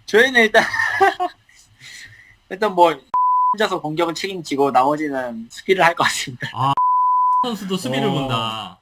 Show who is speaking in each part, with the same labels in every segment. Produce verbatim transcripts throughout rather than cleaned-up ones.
Speaker 1: 저희는 일단 일단 뭐 혼자서 공격은 책임지고 나머지는 수비를 할 것 같습니다.
Speaker 2: 아 선수도 수비를
Speaker 3: 어.
Speaker 2: 본다.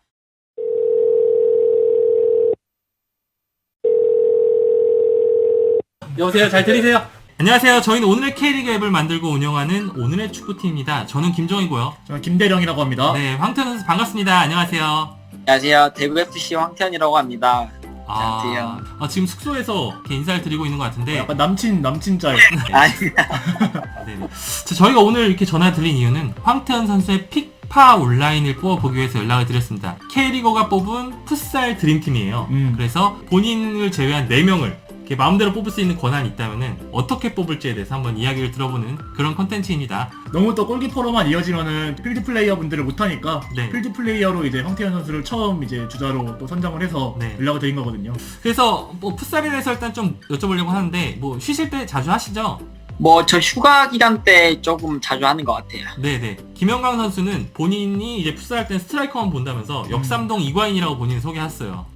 Speaker 3: 여보세요, 잘 들리세요?
Speaker 2: 안녕하세요. 저희는 오늘의 K리그 앱을 만들고 운영하는 오늘의 축구팀입니다. 저는 김종이고요.
Speaker 3: 저는 김대령이라고 합니다.
Speaker 2: 네, 황태현 선수 반갑습니다. 안녕하세요.
Speaker 1: 안녕하세요. 대구에프씨 황태현이라고 합니다.
Speaker 2: 아,
Speaker 1: 안녕하세요.
Speaker 2: 아, 지금 숙소에서 이렇게 인사를 드리고 있는 것 같은데
Speaker 3: 약간 남친, 남친 짤.
Speaker 1: 아닙니다.
Speaker 2: 네. 자, 저희가 오늘 이렇게 전화 드린 이유는 황태현 선수의 픽파 온라인을 뽑아보기 위해서 연락을 드렸습니다. K리거가 뽑은 풋살 드림팀이에요.
Speaker 3: 음.
Speaker 2: 그래서 본인을 제외한 네 명을 이렇게 마음대로 뽑을 수 있는 권한이 있다면은 어떻게 뽑을지에 대해서 한번 이야기를 들어보는 그런 컨텐츠입니다.
Speaker 3: 너무 또 골키퍼로만 이어지면은 필드 플레이어 분들을 못하니까
Speaker 2: 네.
Speaker 3: 필드 플레이어로 이제 황태현 선수를 처음 이제 주자로 또 선정을 해서
Speaker 2: 네.
Speaker 3: 연락을 드린 거거든요.
Speaker 2: 그래서 뭐 풋살에 대해서 일단 좀 여쭤보려고 하는데 뭐 쉬실 때 자주 하시죠?
Speaker 1: 뭐 저 휴가 기간 때 조금 자주 하는 것 같아요.
Speaker 2: 네네. 김영광 선수는 본인이 이제 풋살 할 땐 스트라이커만 본다면서 역삼동 이과인이라고 본인 소개했어요.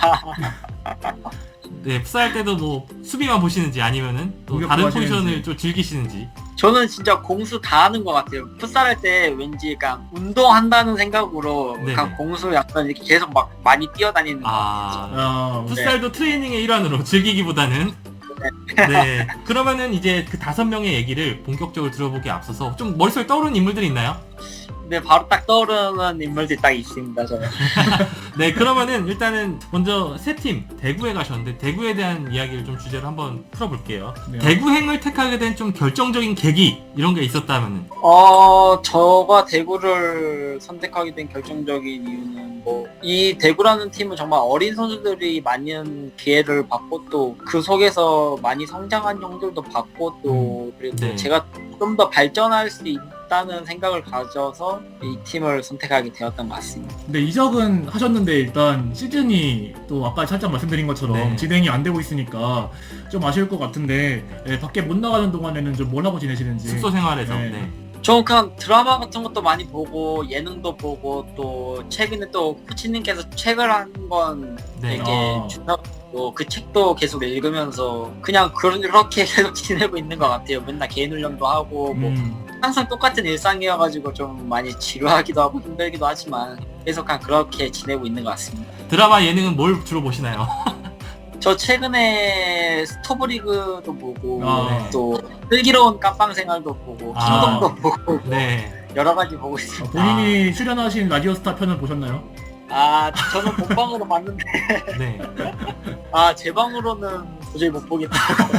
Speaker 2: 네, 풋살 할 때도 뭐 수비만 보시는지 아니면은 또
Speaker 3: 공격
Speaker 2: 다른
Speaker 3: 좋아하시는지.
Speaker 2: 포지션을 좀 즐기시는지.
Speaker 1: 저는 진짜 공수 다 하는 것 같아요. 풋살 할 때 왠지 그냥 운동한다는 생각으로
Speaker 2: 네네.
Speaker 1: 그냥 공수 약간 이렇게 계속 막 많이 뛰어다니는 것 같아요.
Speaker 2: 아,
Speaker 3: 아,
Speaker 2: 풋살도 트레이닝의 일환으로 즐기기보다는. 네. 그러면은 이제 그 다섯 명의 얘기를 본격적으로 들어보기에 앞서서 좀 머릿속에 떠오르는 인물들이 있나요?
Speaker 1: 근데 바로 딱 떠오르는 인물들이 딱 있습니다. 저는.
Speaker 2: 네, 그러면은 일단은 먼저 세 팀 대구에 가셨는데 대구에 대한 이야기를 좀 주제로 한번 풀어볼게요.
Speaker 3: 네.
Speaker 2: 대구행을 택하게 된 좀 결정적인 계기 이런 게 있었다면은.
Speaker 1: 어, 저가 대구를 선택하게 된 결정적인 이유는 뭐, 이 대구라는 팀은 정말 어린 선수들이 많은 기회를 받고 또 그 속에서 많이 성장한 형들도 받고 또 그리고
Speaker 2: 네.
Speaker 1: 제가 좀 더 발전할 수 있다는 생각을 가져서 이 팀을 선택하게 되었던 것 같습니다.
Speaker 3: 근데 이적은 하셨는데 일단 시즌이 또 아까 살짝 말씀드린 것처럼
Speaker 2: 네.
Speaker 3: 진행이 안 되고 있으니까 좀 아쉬울 것 같은데 예, 밖에 못 나가는 동안에는 좀 뭘 하고 지내시는지.
Speaker 2: 숙소 생활에서.
Speaker 3: 네.
Speaker 2: 네.
Speaker 1: 저는 그냥 드라마 같은 것도 많이 보고 예능도 보고 또 최근에 또 코치님께서 책을 한 권
Speaker 2: 네.
Speaker 1: 되게
Speaker 3: 아.
Speaker 1: 주셨고 그 책도 계속 읽으면서 그냥 그렇게 계속 지내고 있는 것 같아요. 맨날 개인 훈련도 하고 뭐
Speaker 3: 음.
Speaker 1: 항상 똑같은 일상이어가지고 좀 많이 지루하기도 하고 힘들기도 하지만 계속 그냥 그렇게 지내고 있는 것 같습니다.
Speaker 2: 드라마 예능은 뭘 주로 보시나요?
Speaker 1: 저 최근에 스토브리그도 보고
Speaker 3: 아.
Speaker 1: 또 슬기로운 깜빵 생활도 보고
Speaker 2: 아.
Speaker 1: 킹덤도 보고
Speaker 2: 네.
Speaker 1: 여러 가지 보고
Speaker 3: 아,
Speaker 1: 있습니다.
Speaker 3: 본인이 출연하신 라디오스타 편은 보셨나요?
Speaker 1: 아 저는 본방으로 봤는데
Speaker 2: 네.
Speaker 1: 아 제 방으로는 도저히 못 보겠다.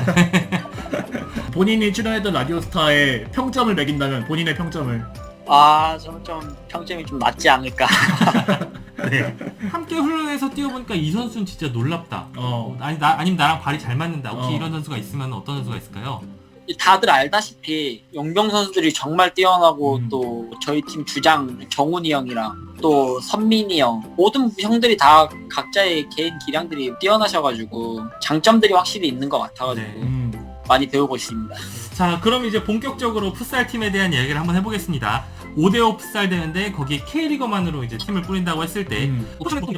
Speaker 3: 본인이 출연했던 라디오스타의 평점을 매긴다면 본인의 평점을.
Speaker 1: 아 저는 좀 평점이 좀 낮지 않을까.
Speaker 2: 네. 함께 훈련해서 뛰어보니까 이 선수는 진짜 놀랍다.
Speaker 3: 어.
Speaker 2: 아니 나 아니면 나랑 발이 잘 맞는다. 혹시
Speaker 3: 어.
Speaker 2: 이런 선수가 있으면 어떤 선수가 있을까요?
Speaker 1: 다들 알다시피 용병 선수들이 정말 뛰어나고
Speaker 3: 음.
Speaker 1: 또 저희 팀 주장 정훈이 형이랑 또 선민이 형 모든 형들이 다 각자의 개인 기량들이 뛰어나셔가지고 장점들이 확실히 있는 것 같아가지고
Speaker 2: 네.
Speaker 3: 음.
Speaker 1: 많이 배우고 있습니다.
Speaker 2: 자, 그럼 이제 본격적으로 풋살 팀에 대한 이야기를 한번 해보겠습니다. 오 대오 풋살 대회인데 거기에 K리거만으로 이제 팀을 꾸린다고 했을 때
Speaker 3: 음.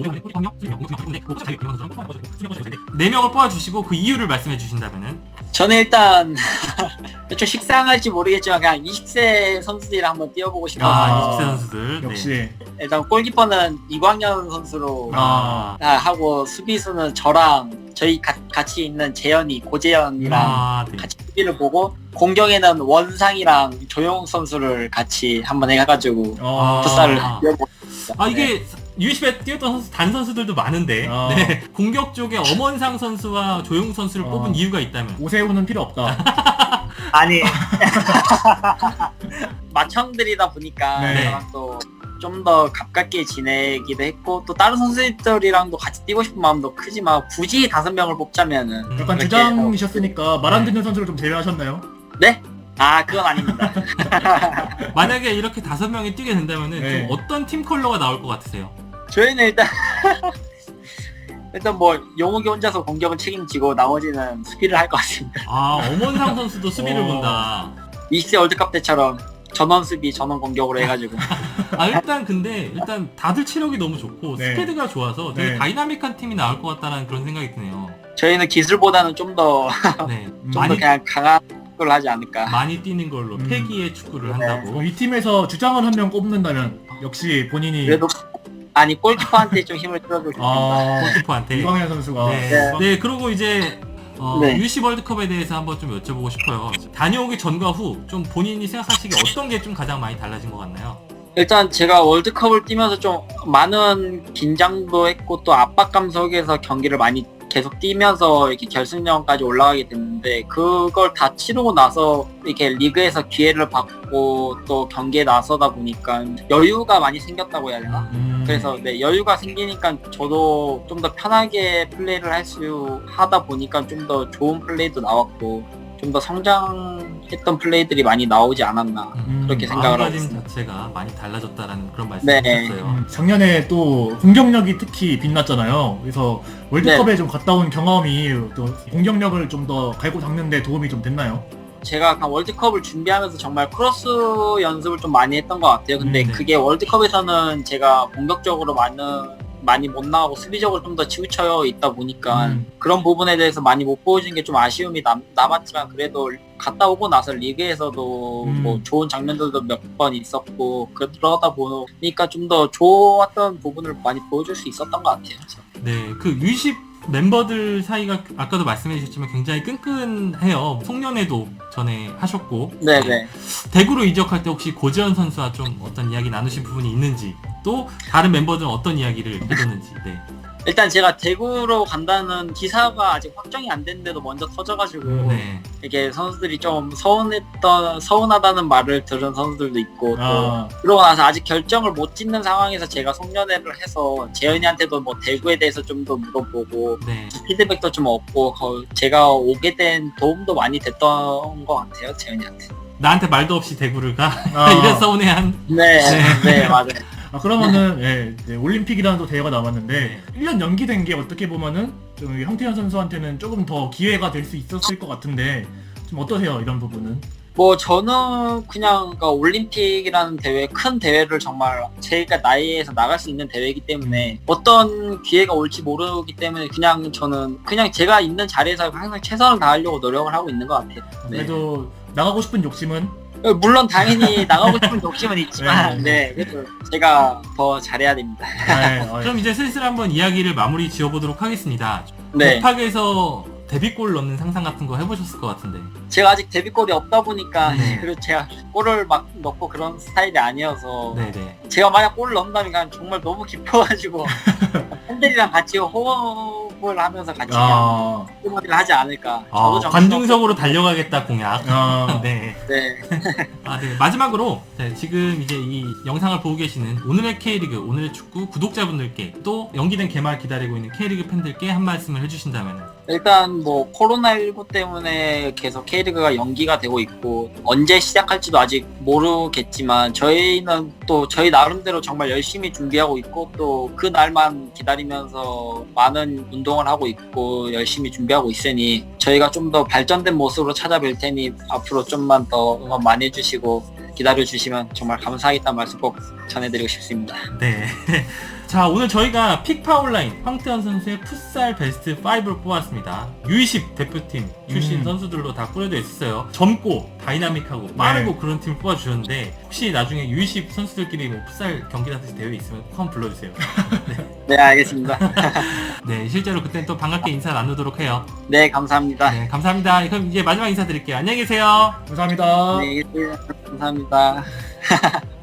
Speaker 2: 네 명을 뽑아주시고 그 이유를 말씀해 주신다면은.
Speaker 1: 저는 일단 좀 식상할지 모르겠지만 그냥 이십 세 선수들이랑 한번 뛰어보고 싶어서
Speaker 2: 아,
Speaker 3: 아,
Speaker 2: 이십 세 선수들.
Speaker 3: 역시.
Speaker 2: 네.
Speaker 1: 일단 골키퍼는 이광현 선수로
Speaker 2: 아,
Speaker 1: 아, 하고 수비수는 저랑 저희 가, 같이 있는 재현이 고재현이랑
Speaker 2: 아, 네.
Speaker 1: 같이 수비를 보고 공격에는 원상이랑 조용 선수를 같이 한번 해가지고
Speaker 3: 어.
Speaker 1: 풋살을
Speaker 2: 아.
Speaker 1: 뛰어보고
Speaker 2: 아, 이게 유이십에 뛰었던 선수, 단 선수들도 많은데
Speaker 3: 아.
Speaker 2: 네. 공격 쪽에 엄원상 선수와 조용 선수를
Speaker 3: 어.
Speaker 2: 뽑은 이유가 있다면.
Speaker 3: 오세훈은 필요 없다.
Speaker 1: 아니 맏형들이다 보니까
Speaker 3: 네.
Speaker 1: 저랑 또 좀 더 가깝게 지내기도 했고 또 다른 선수들이랑도 같이 뛰고 싶은 마음도 크지만 굳이 다섯 명을 뽑자면은
Speaker 2: 음.
Speaker 3: 약간
Speaker 1: 그렇게
Speaker 3: 주장이셨으니까 말 안
Speaker 2: 네.
Speaker 3: 듣는 선수를 좀 제외하셨나요?
Speaker 1: 네? 아 그건 아닙니다.
Speaker 2: 만약에 이렇게 다섯 명이 뛰게 된다면은
Speaker 3: 네.
Speaker 2: 좀 어떤 팀 컬러가 나올 것 같으세요?
Speaker 1: 저희는 일단 일단 뭐 용욱이 혼자서 공격은 책임지고 나머지는 수비를 할 것 같습니다.
Speaker 2: 아, 엄원상 선수도 수비를
Speaker 3: 어.
Speaker 2: 본다.
Speaker 1: 이십 세 월드컵 때처럼 전원 수비 전원 공격으로 해가지고
Speaker 2: 아, 일단 근데 일단 다들 체력이 너무 좋고
Speaker 3: 네.
Speaker 2: 스피드가 좋아서 되게
Speaker 3: 네.
Speaker 2: 다이나믹한 팀이 나올 것 같다는 그런 생각이 드네요.
Speaker 1: 저희는 기술보다는 좀 더
Speaker 2: 네.
Speaker 1: 좀 더
Speaker 2: 많이
Speaker 1: 그냥 강한 걸 하지 않을까.
Speaker 2: 많이 뛰는 걸로
Speaker 3: 음.
Speaker 2: 패기의 축구를
Speaker 1: 네.
Speaker 2: 한다고.
Speaker 3: 어, 이 팀에서 주장을 한 명 꼽는다면 역시 본인이
Speaker 1: 그래도 아니 골키퍼한테 좀 힘을 실어주고 싶습니다.
Speaker 3: 아
Speaker 2: 골키퍼한테.
Speaker 3: 이광현 선수가
Speaker 2: 네.
Speaker 1: 네.
Speaker 2: 네, 그리고 이제 어,
Speaker 1: 네.
Speaker 2: 유씨 월드컵에 대해서 한번 좀 여쭤보고 싶어요. 다녀오기 전과 후 좀 본인이 생각하시기에 어떤 게 좀 가장 많이 달라진 것 같나요?
Speaker 1: 일단 제가 월드컵을 뛰면서 좀 많은 긴장도 했고 또 압박감 속에서 경기를 많이 계속 뛰면서 이렇게 결승전까지 올라가게 됐는데 그걸 다 치르고 나서 이렇게 리그에서 기회를 받고 또 경기에 나서다 보니까 여유가 많이 생겼다고 해야 되나?
Speaker 3: 음,
Speaker 1: 그래서 네, 여유가 생기니까 저도 좀 더 편하게 플레이를 할 수 하다 보니까 좀 더 좋은 플레이도 나왔고 좀 더 성장했던 플레이들이 많이 나오지 않았나.
Speaker 3: 음,
Speaker 1: 그렇게 생각을 하고
Speaker 2: 마음가짐
Speaker 1: 있습니다.
Speaker 2: 자체가 많이 달라졌다라는 그런 말씀을
Speaker 1: 네.
Speaker 2: 하셨어요.
Speaker 3: 음, 작년에 또 공격력이 특히 빛났잖아요. 그래서 월드컵에 좀 갔다 온 경험이 또 공격력을 좀 더 갈고 닦는데 도움이 좀 됐나요?
Speaker 1: 제가 약간 월드컵을 준비하면서 정말 크로스 연습을 좀 많이 했던 것 같아요. 근데
Speaker 2: 음, 네.
Speaker 1: 그게 월드컵에서는 제가 공격적으로 많은 많이 못 나가고 수비적으로 좀 더 치우쳐 있다 보니까
Speaker 3: 음.
Speaker 1: 그런 부분에 대해서 많이 못 보여준 게 좀 아쉬움이 남, 남았지만 그래도 갔다 오고 나서 리그에서도
Speaker 3: 음.
Speaker 1: 뭐 좋은 장면들도 몇 번 있었고 그러다 보니까 좀 더 좋았던 부분을 많이 보여줄 수 있었던 것 같아요.
Speaker 2: 네, 그 유십 멤버들 사이가 아까도 말씀해 주셨지만 굉장히 끈끈해요. 송년회도 전에 하셨고.
Speaker 1: 네네.
Speaker 2: 대구로 이적할 때 혹시 고지현 선수와 좀 어떤 이야기 나누신 부분이 있는지, 또 다른 멤버들은 어떤 이야기를 해줬는지. 네.
Speaker 1: 일단 제가 대구로 간다는 기사가 아직 확정이 안 됐는데도 먼저 터져가지고
Speaker 2: 네.
Speaker 1: 이게 선수들이 좀 서운했던 서운하다는 말을 들은 선수들도 있고 또
Speaker 3: 아,
Speaker 1: 그러고 나서 아직 결정을 못 짓는 상황에서 제가 송년회를 해서 재현이한테도 뭐 대구에 대해서 좀 더 물어보고
Speaker 2: 네.
Speaker 1: 피드백도 좀 얻고 거- 제가 오게 된 도움도 많이 됐던 것 같아요 재현이한테.
Speaker 2: 나한테 말도 없이 대구를 가.
Speaker 3: 아.
Speaker 2: 이런 서운해한.
Speaker 1: 네,
Speaker 2: 네.
Speaker 1: 네 맞아요.
Speaker 3: 아 그러면은 예, 네, 올림픽이라는 또 대회가 남았는데
Speaker 2: 네.
Speaker 3: 일 년 연기된 게 어떻게 보면은 좀 형태현 선수한테는 조금 더 기회가 될 수 있었을 것 같은데 좀 어떠세요 이런 부분은?
Speaker 1: 뭐 저는 그냥 그러니까 올림픽이라는 대회 큰 대회를 정말 제가 나이에서 나갈 수 있는 대회이기 때문에 어떤 기회가 올지 모르기 때문에 그냥 저는 그냥 제가 있는 자리에서 항상 최선을 다하려고 노력을 하고 있는 것 같아요. 네.
Speaker 3: 그래도 나가고 싶은 욕심은
Speaker 1: 물론 당연히 나가고 싶은 욕심은 있지만 네, 그래도 제가 더 잘해야 됩니다.
Speaker 3: 네, 어,
Speaker 2: 그럼 이제 슬슬 한번 이야기를 마무리 지어보도록 하겠습니다.
Speaker 1: 네,
Speaker 2: 곱하기에서 데뷔골 넣는 상상 같은 거 해보셨을 것 같은데.
Speaker 1: 제가 아직 데뷔골이 없다 보니까
Speaker 2: 네.
Speaker 1: 그리고 제가 골을 막 넣고 그런 스타일이 아니어서
Speaker 2: 네네.
Speaker 1: 제가 만약 골을 넣는다면 그냥 정말 너무 깊어가지고 팬들이랑 같이 호흡을 하면서 같이 그냥
Speaker 3: 아,
Speaker 1: 응원을 하지 않을까.
Speaker 2: 아,
Speaker 1: 저도
Speaker 2: 관중석으로 달려가겠다 공약.
Speaker 3: 아,
Speaker 2: 네.
Speaker 1: 네.
Speaker 2: 아, 네. 마지막으로 네, 지금 이제 이 영상을 보고 계시는 오늘의 K리그, 오늘의 축구 구독자분들께 또 연기된 개막 기다리고 있는 K리그 팬들께 한 말씀을 해주신다면.
Speaker 1: 일단 뭐 코로나십구 때문에 계속 K리그가 연기가 되고 있고 언제 시작할지도 아직 모르겠지만 저희는 또 저희 나름대로 정말 열심히 준비하고 있고 또 그 날만 기다리면서 많은 운동을 하고 있고 열심히 준비하고 있으니 저희가 좀 더 발전된 모습으로 찾아뵐 테니 앞으로 좀만 더 응원 많이 해주시고 기다려주시면 정말 감사하겠다는 말씀 꼭 전해드리고 싶습니다.
Speaker 2: 네. 자, 오늘 저희가 픽파 온라인 황태현 선수의 풋살 베스트 오를 뽑았습니다. 유이십 대표팀 출신
Speaker 3: 음.
Speaker 2: 선수들로 다 꾸려져 있었어요. 젊고 다이나믹하고 빠르고 그런 팀을 뽑아주셨는데 혹시 나중에 유이십 선수들끼리 뭐 풋살 경기라든지 대회 있으면 꼭 한번 불러주세요.
Speaker 1: 네, 알겠습니다.
Speaker 2: 네, 실제로 그때는 또 반갑게 인사 나누도록 해요.
Speaker 1: 네, 감사합니다.
Speaker 2: 네, 감사합니다. 그럼 이제 마지막 인사드릴게요. 안녕히 계세요.
Speaker 3: 감사합니다.
Speaker 1: 네, 감사합니다.